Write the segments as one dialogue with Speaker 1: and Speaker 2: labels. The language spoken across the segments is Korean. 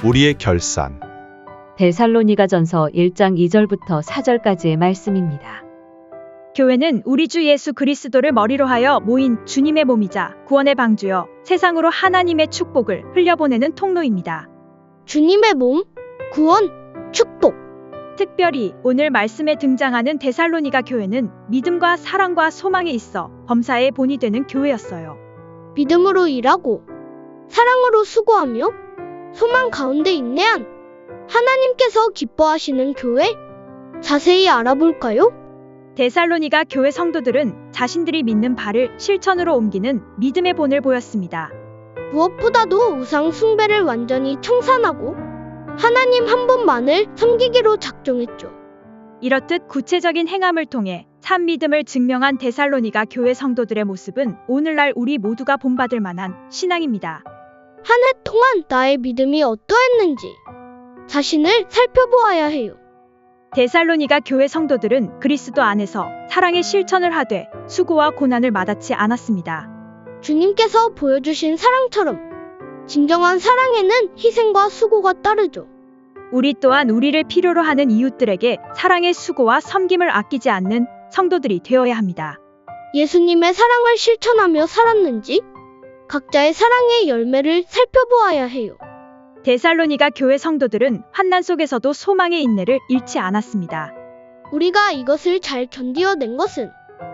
Speaker 1: 우리의 결산.
Speaker 2: 데살로니가전서 1장 2절부터 4절까지의 말씀입니다.
Speaker 3: 교회는 우리 주 예수 그리스도를 머리로 하여 모인 주님의 몸이자 구원의 방주여 세상으로 하나님의 축복을 흘려보내는 통로입니다.
Speaker 4: 주님의 몸, 구원, 축복.
Speaker 3: 특별히 오늘 말씀에 등장하는 데살로니가 교회는 믿음과 사랑과 소망에 있어 범사의 본이 되는 교회였어요.
Speaker 4: 믿음으로 일하고 사랑으로 수고하며 소망 가운데 인내한 하나님께서 기뻐하시는 교회? 자세히 알아볼까요?
Speaker 3: 데살로니가 교회 성도들은 자신들이 믿는 바를 실천으로 옮기는 믿음의 본을 보였습니다.
Speaker 4: 무엇보다도 우상 숭배를 완전히 청산하고 하나님 한 분만을 섬기기로 작정했죠.
Speaker 3: 이렇듯 구체적인 행함을 통해 참 믿음을 증명한 데살로니가 교회 성도들의 모습은 오늘날 우리 모두가 본받을 만한 신앙입니다.
Speaker 4: 한 해 동안 나의 믿음이 어떠했는지 자신을 살펴보아야 해요.
Speaker 3: 데살로니가 교회 성도들은 그리스도 안에서 사랑의 실천을 하되 수고와 고난을 마다치 않았습니다.
Speaker 4: 주님께서 보여주신 사랑처럼 진정한 사랑에는 희생과 수고가 따르죠.
Speaker 3: 우리 또한 우리를 필요로 하는 이웃들에게 사랑의 수고와 섬김을 아끼지 않는 성도들이 되어야 합니다.
Speaker 4: 예수님의 사랑을 실천하며 살았는지 각자의 사랑의 열매를 살펴보아야 해요.
Speaker 3: 데살로니가 교회 성도들은 환난 속에서도 소망의 인내를 잃지 않았습니다.
Speaker 4: 우리가 이것을 잘 견디어낸 것은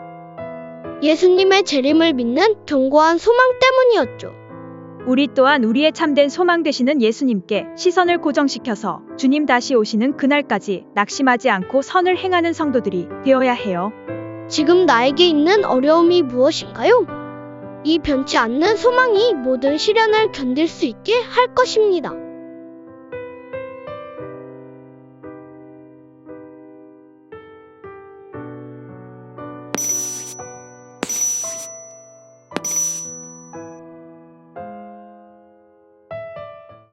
Speaker 4: 예수님의 재림을 믿는 견고한 소망 때문이었죠.
Speaker 3: 우리 또한 우리의 참된 소망 되시는 예수님께 시선을 고정시켜서 주님 다시 오시는 그날까지 낙심하지 않고 선을 행하는 성도들이 되어야 해요.
Speaker 4: 지금 나에게 있는 어려움이 무엇인가요? 이 변치 않는 소망이 모든 시련을 견딜 수 있게 할 것입니다.